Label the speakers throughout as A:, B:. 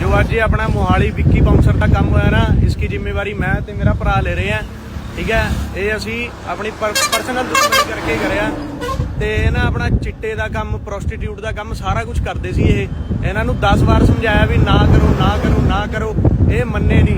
A: जो आज ये अपना मोहाली विक्की बाउंसर का काम होया ना, इसकी जिम्मेवारी मैं ते मेरा भरा ले रहे हैं। ठीक है, ये असी अपनी परसनल दुश्मनी करके करिया ते ना अपना चिट्टे का काम, प्रोस्टीट्यूट का काम सारा कुछ करते सी। ये इन्हां नूं 10 वार समझाया भी ना करो ना करो ना करो, ये मन्ने नहीं।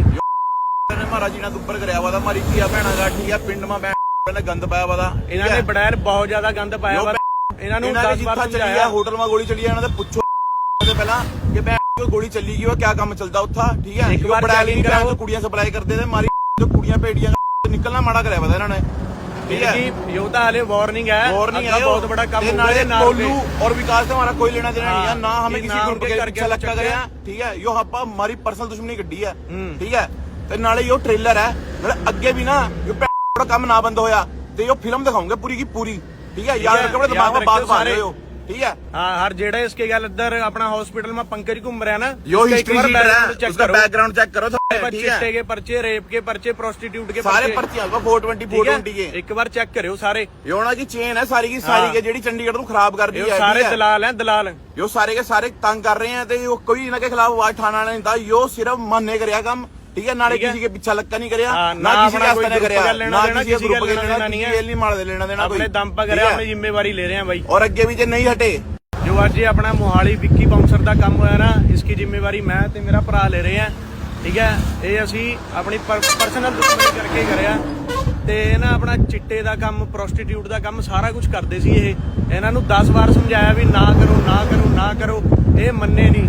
B: महाराज जी ने दुपर कराया वा मारी धीआ भैणा गा, ठीक है, पिंड में गंद पाया वा।
A: इन्होंने बड़ैर बहुत ज्यादा गंद पाया वा। इन्होंने 10 बार समझाया,
B: होटल में गोली चली है, पुछो पहला कि मैं गोली चली गई, क्या काम चलता उत्था। ठीक है,
A: एक बार चैलेंज कराओ,
B: कुड़ियां सप्लाई करते थे, मारी जो कुड़ियां भेड़ियां निकलना माड़ा कराया वा इन्होंने। ठीक है,
A: यो तो हाले वार्निंग है,
B: वार्निंग है,
A: बहुत बड़ा काम
B: कोल्लू और विकास से हमारा कोई लेना देना नहीं है, ना हमें किसी ग्रुप के करके लक्का करे। ठीक है, यो हप्पा हमारी पर्सनल दुश्मनी गड्डी है। ठीक है, ते नाले यो ट्रेलर है, नाले अगे भी ना यो काम ना बंद होया ते यो फिल्म दिखाऊंगे पूरी की पूरी। ठीक है, याद रखो, दिमाग में बात मार रहे हो। ठीक है,
A: हाँ, हर जेड़ा इसके गल इधर अपना हॉस्पिटल में पंकज घूम रहा है ना,
B: यो हिस्ट्री शीट है, उसका बैकग्राउंड चेक करो।
A: चिट्टे के पर्चे, रेप के पर्चे, प्रोस्टिट्यूट के
B: सारे पर्चे आएगा 420 के।
A: एक बार चेक करो सारे।
B: योना की चेन है सारी की सारी के, जेडी चंडीगढ़ को खराब कर दी है।
A: सारे दलाल हैं, दलाल।
B: यो सारे के सारे तंग कर रहे हैं, तो कोई इनके खिलाफ आवाज उठाना नहीं था। यो सिर्फ मानने करिया काम। ठीक है, नाले किसी के पीछा लक्का नहीं करिया, ना किसी के आस्ते करिया, ना किसी के ग्रुप के लेना नहीं है, नहीं मार दे लेना देना,
A: अपने दम पर करिया, अपनी जिम्मेवारी ले रहे हैं भाई।
B: और अगे भी जे नहीं हटे,
A: जो आज ये अपना मोहाली विक्की बाउंसर का काम होया ना, इसकी जिम्मेवारी मैं ते मेरा भरा ले रहे हैं। ठीक है, ये असी अपनी पर्सनल दुश्मनी करके करिया ते ना अपना चिट्टे का काम, प्रोस्टीट्यूट का काम सारा कुछ करते सी। ये इन्हां नूं 10 वार समझाया भी ना करो ना करो ना करो, ये मन्ने नहीं।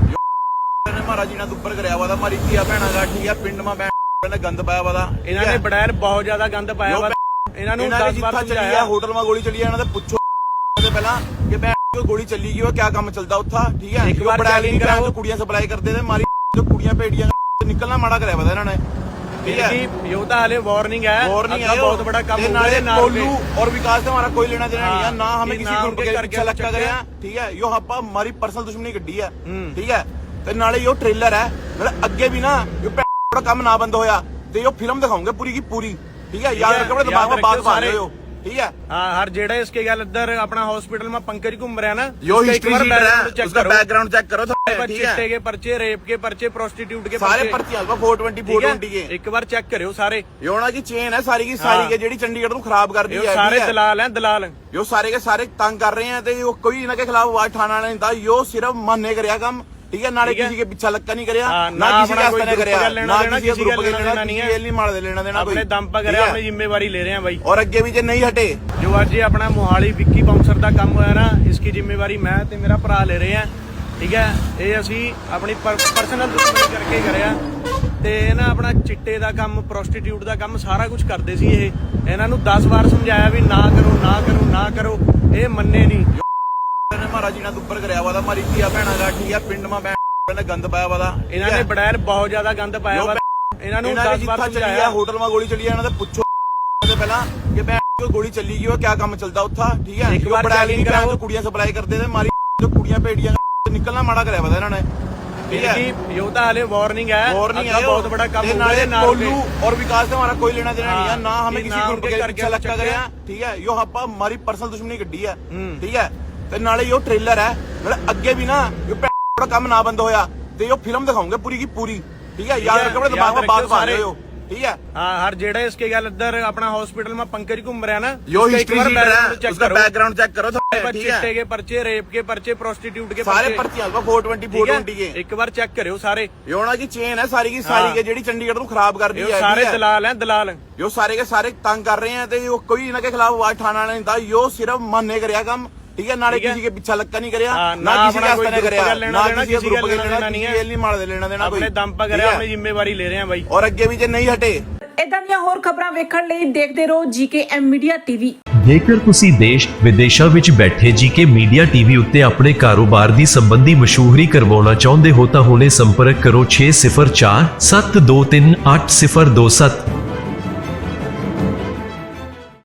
B: महाराज जी ने दुपर कराया वा मारी धीआ भैणा गा, ठीक है, पिंड में गंद पाया वा।
A: इन्होंने बड़ैर बहुत ज्यादा गंद पाया वा। इन्होंने 10 बार समझाया,
B: होटल में गोली चली है, पुछो पहला कि मैं गोली चली गई, क्या काम चलता उत्था। ठीक है,
A: एक बार चैलेंज कराओ,
B: कुड़ियां सप्लाई करते थे, मारी जो कुड़ियां भेड़ियां निकलना माड़ा कराया वा इन्होंने। ठीक है,
A: यो तो हाले वार्निंग है,
B: वार्निंग है,
A: बहुत बड़ा काम।
B: कोल्लू और विकास से हमारा कोई लेना देना नहीं है, ना हमें किसी ग्रुप के करके लक्का करे। ठीक है, यो हप्पा हमारी पर्सनल दुश्मनी गड्डी है। ठीक है, ते नाले यो ट्रेलर है, नाले अगे भी ना यो काम ना बंद होया ते यो फिल्म दिखाऊंगे पूरी की पूरी। ठीक है, याद रखो, दिमाग में बात मार रहे हो। ठीक है,
A: हाँ, हर जेड़ा इसके गल इधर अपना हॉस्पिटल में पंकज घूम रहा है ना,
B: यो हिस्ट्री शीट है, उसका बैकग्राउंड चेक करो।
A: चिट्टे के पर्चे, रेप के पर्चे, प्रोस्टिट्यूट के
B: सारे पर्चे आएगा 420 के।
A: एक बार चेक करो सारे।
B: योना की चेन है सारी की सारी के, जेडी चंडीगढ़ को खराब कर दी है।
A: सारे दलाल हैं, दलाल।
B: यो सारे के सारे तंग कर रहे हैं, तो कोई इनके खिलाफ आवाज उठाना नहीं था। यो सिर्फ मानने करिया काम। ठीक है, नाले किसी के पीछा लक्का नहीं करिया, ना किसी के आस्ते करिया, ना किसी के ग्रुप के लेना नहीं है, नहीं मार दे लेना देना,
A: अपने दम पर करिया, अपनी जिम्मेवारी ले रहे हैं भाई।
B: और अगे भी जे नहीं हटे,
A: जो आज ये अपना मोहाली विक्की बाउंसर का काम होया ना, इसकी जिम्मेवारी मैं ते मेरा भरा ले रहे हैं। ठीक है, ये असी अपनी पर्सनल दुश्मनी करके करिया ते ना अपना चिट्टे का काम, प्रोस्टीट्यूट का काम सारा कुछ करते सी। ये इन्हां नूं 10 बार समझाया भी ना करो ना करो ना करो, ये मन्ने नहीं।
B: महाराज जी ने दुपर कराया वा मारी धीआ भैणा गा, ठीक है, पिंड में गंद पाया वा।
A: इन्होंने बड़ैर बहुत ज्यादा गंद पाया वा। इन्होंने 10 बार समझाया,
B: होटल में गोली चली है, पुछो पहला कि मैं गोली चली गई, क्या काम चलता उत्था। ठीक है,
A: एक बार चैलेंज कराओ,
B: कुड़ियां सप्लाई करते थे, मारी जो कुड़ियां भेड़ियां निकलना माड़ा कराया वा इन्होंने। ठीक है,
A: यो तो हाले वार्निंग है,
B: वार्निंग है,
A: बहुत बड़ा काम।
B: कोल्लू और विकास से हमारा कोई लेना देना नहीं है, ना हमें किसी ग्रुप के करके लक्का करे। ठीक है, यो हप्पा हमारी पर्सनल दुश्मनी गड्डी है। ठीक है, ते नाले यो ट्रेलर है, नाले अगे भी ना यो काम ना बंद होया ते यो फिल्म दिखाऊंगे पूरी की पूरी। ठीक है, याद रखो, दिमाग में बात मार रहे हो। ठीक है,
A: हाँ, हर जेड़ा इसके गल इधर अपना हॉस्पिटल में पंकज घूम रहा है ना,
B: यो हिस्ट्री शीट है, उसका बैकग्राउंड चेक करो।
A: चिट्टे के पर्चे, रेप के पर्चे, प्रोस्टिट्यूट के
B: सारे पर्चे आएगा 420 के।
A: एक बार चेक करो सारे।
B: योना की चेन है सारी की सारी के, जेडी चंडीगढ़ को खराब कर दी है।
A: सारे दलाल हैं, दलाल।
B: यो सारे के सारे तंग कर रहे हैं, तो कोई इनके खिलाफ आवाज उठाना नहीं था। यो सिर्फ मानने करिया काम। ठीक है, नाले किसी के पीछा लक्का नहीं करिया, ना किसी के आस्ते करिया, ना किसी के ग्रुप के लेना नहीं है, नहीं मार दे लेना देना,
A: अपने दम पर करिया, अपनी जिम्मेवारी ले रहे हैं भाई।
B: और अगे भी जे नहीं हटे,
C: ਇਦਾਂ ਦੀਆਂ ਹੋਰ ਖਬਰਾਂ ਵੇਖਣ ਲਈ ਦੇਖਦੇ ਰਹੋ ਜੀਕੇਐਮ ਮੀਡੀਆ ਟੀਵੀ।
D: ਜੇਕਰ ਤੁਸੀਂ ਦੇਸ਼ ਵਿਦੇਸ਼ਾਂ ਵਿੱਚ ਬੈਠੇ ਜੀਕੇ ਮੀਡੀਆ ਟੀਵੀ ਉੱਤੇ ਆਪਣੇ ਕਾਰੋਬਾਰ ਦੀ ਸੰਬੰਧੀ ਮਸ਼ਹੂਰੀ ਕਰਵਾਉਣਾ ਚਾਹੁੰਦੇ ਹੋ ਤਾਂ ਹੁਣੇ ਸੰਪਰਕ ਕਰੋ 6047238027।